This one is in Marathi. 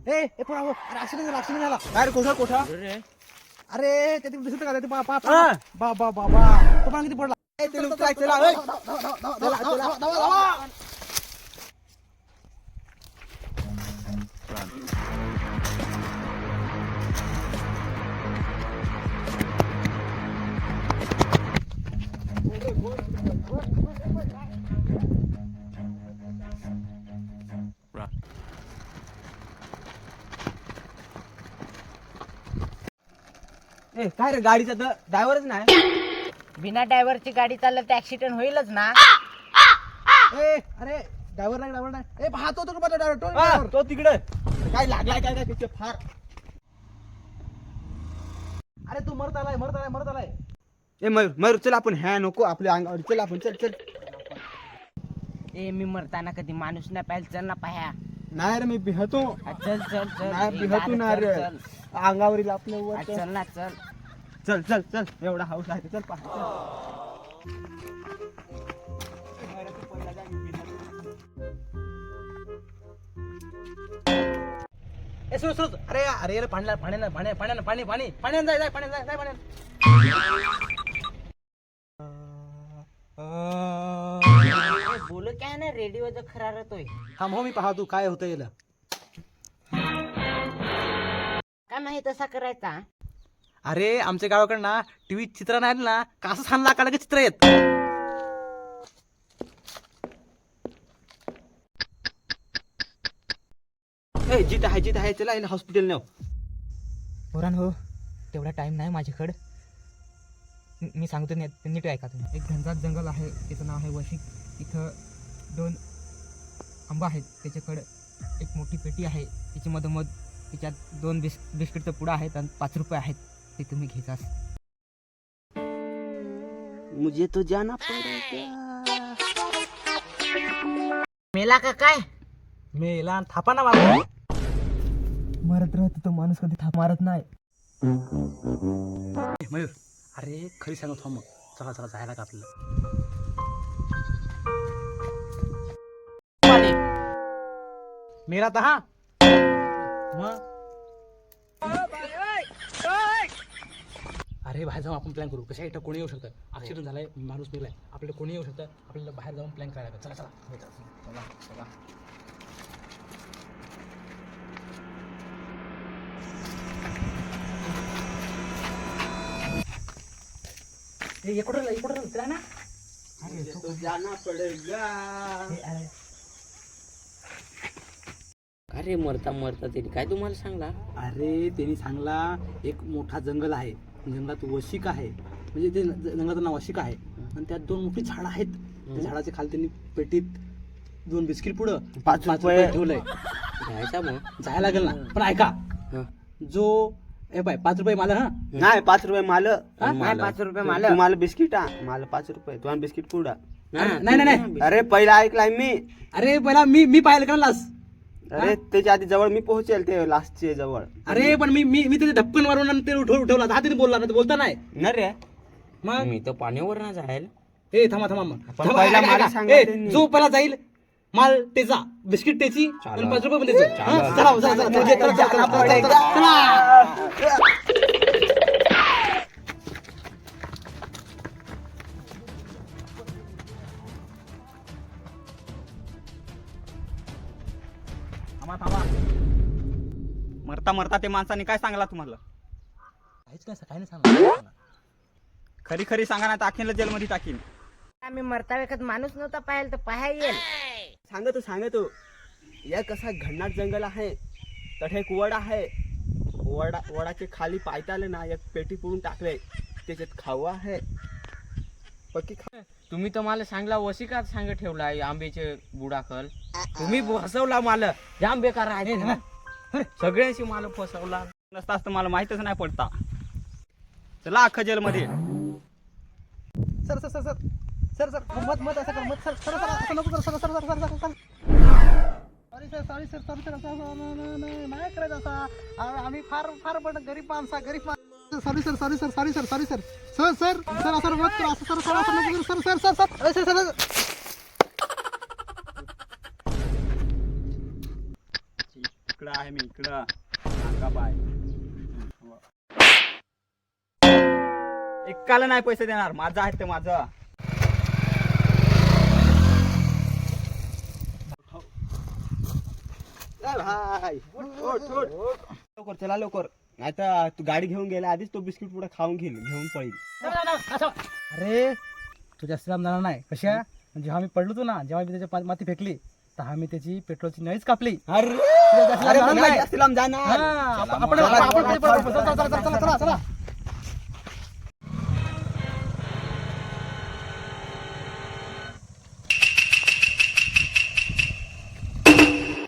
ए पोरा हो, अरे ऍक्सिडेंट झाला. काय रे कोठा अरे ते दिसत का ते बाबा हा. बाबा बाबा तो पण किती पडला. ए, ते लोक काय चला ओय. चला. ए काय रे गाडीचा तर ड्रायव्हरच नाही. बिना ड्रायव्हरची गाडी चाललं तर ऍक्सिडेंट होईलच ना. ए अरे ड्रायव्हर नाही ए पाहतो तो हा, ड्रायव्हर तो तिकडे काय लागलाय काय काय तिथे फार. अरे तू मरत आलाय. ए मयूर चल आपण ह्या नको आपल्या अंगावर चल आपण चल. ए मी मरताना कधी माणूस नाही पाहिजे, चल ना पाह्या. नाही रे मी भिहतो. चल चल चल नाही ए, भिहतो गाडी ना चल, रे. चल. अंगावरील आपल्या वर चल ना चल. चल एवढा हाऊस आहे चल पहा. ए सुन अरे पाण्यानं जाय पाण्यानं. ए, बोल काय ना रेडिओ खरारतोय. हा मग मी पाहतो काय होतं याला. काय माहित असा करायचा. अरे आमच्या गावाकडे ना टीव्ही चित्र नाही ना का असं छान लागायला का चित्र येत. ए जित आहे चला याला हॉस्पिटल नेऊ. पोरान हो तेवढा टाइम नाही माझ्याकडं. मी सांगतो नीट ऐका तुम्ही. एक घनदाट जंगल आहे, त्याचं नाव आहे वशिक. इथं 2 आंबा आहेत. त्याच्याकडं एक मोठी पेटी आहे, त्याची मधोमध त्याच्यात 2 बिस्किटचं पुडा आहेत आणि 5 रुपये आहेत. ते तुम्ही घ्यायचास. मुझे तो जाना पडेगा. मेला का काय. मेला थापा ना मारतो. मरत राहतो तो माणूस, कधी थाप मारत नाही. मयूर अरे खरी सांगत हो मग चला जायला का आपल्याला. मेला तर हा मग अरे बाहेर जाऊन आपण प्लॅन करू. कशा इथं कोणी येऊ शकतं. ऍक्सिडेंट झालाय, माणूस मेलाय, आपल्याला कोणी येऊ शकतं. आपल्याला बाहेर जाऊन प्लॅन करायला लागेल. चला इकडं चला ना. तो जाना पडेगा. अरे मरता त्यांनी काय तुम्हाला सांगला. अरे त्यांनी सांगला एक मोठा जंगल आहे, जंगलात वशिक आहे, म्हणजे ते जंगलाचं नाव वशिक आहे. आणि त्यात 2 मोठी झाडं आहेत. त्या झाडाच्या खाली त्यांनी पेटीत 2 बिस्किट पुढं 5 रुपये ठेवलंय. घ्यायचा मग जायला लागेल ना. पण ऐका जो ए बाय 5 रुपये मला हा नाही 5 रुपये माल. नाही 5 रुपये मला. तुम्हाला बिस्किट मला 5 रुपये तुम्हाला बिस्किट पुडा. नाही अरे पहिला ऐकलाय मी. अरे पहिला मी पाहिलं का लास. अरे त्याच्या आधी जवळ मी पोहोचेल ते लास्टचे जवळ. अरे पण मी तिथे धपकन मारून आणि ते उठवला. हा तिने बोलला ना, बोलता नाही न रे मग. मी तर पाण्यावर ना जाईल. ए थांबा मग. पण पहिला ऐका, मला ऐका. सांगा ए, त्यांनी. जो पहिला जाईल माल त्याचा, बिस्किट त्याची आणि 5 रुपये पण त्याचे. हा, चला. थांबा. मरता ते माणसाने काय सांगला तुम्हाला. काय नाही सांगा. खरी सांगा ना, टाकीन जेलमध्ये टाकीन. आम्ही मरता वेळेत माणूस नव्हता पाहायला तर पाहाय येईल. सांगतो या कसा घनदाट जंगल आहे. तठे एक वड आहे. वडाचे खाली पायताले ना एक पेटी पुरून टाकले, त्याच्यात खावा आहे. पक्की खा. तुम्ही तर मला सांगला वशिकात सांग ठेवला आंब्याचे बुडाकल. तुम्ही फसवला मला. जाम बेकार आहे. सगळ्यांशी मला फसवला. नसताच तर मला माहितच नाही पडता. चला अख्खा जेलमध्ये. सर मत असं कर. मत सर असं नको कर. सर नाही करायचं असा. आम्ही फार पण गरीब माणसा. सॉरी सर असं मत करा. असं सर इकडं आहे मी इकडं सांगा बाय एकाला नाही पैसे देणार माझं आहे ते माझं भाई लवकर चला लवकर आता तू गाडी घेऊन गेला आधीच तो बिस्किट पुढे खाऊन घेऊन पळील अरे तुझ्या श्रीराम जाणार नाही कशा जेव्हा मी पडलो होतो ना जेव्हा मी त्याच्या माती फेकली तेव्हा मी त्याची पेट्रोलची नळीच कापली अरे तुझ्या जास्त लांब जाणार नाही. जाणार हा, आपण चला, चला, चला, चला, चला.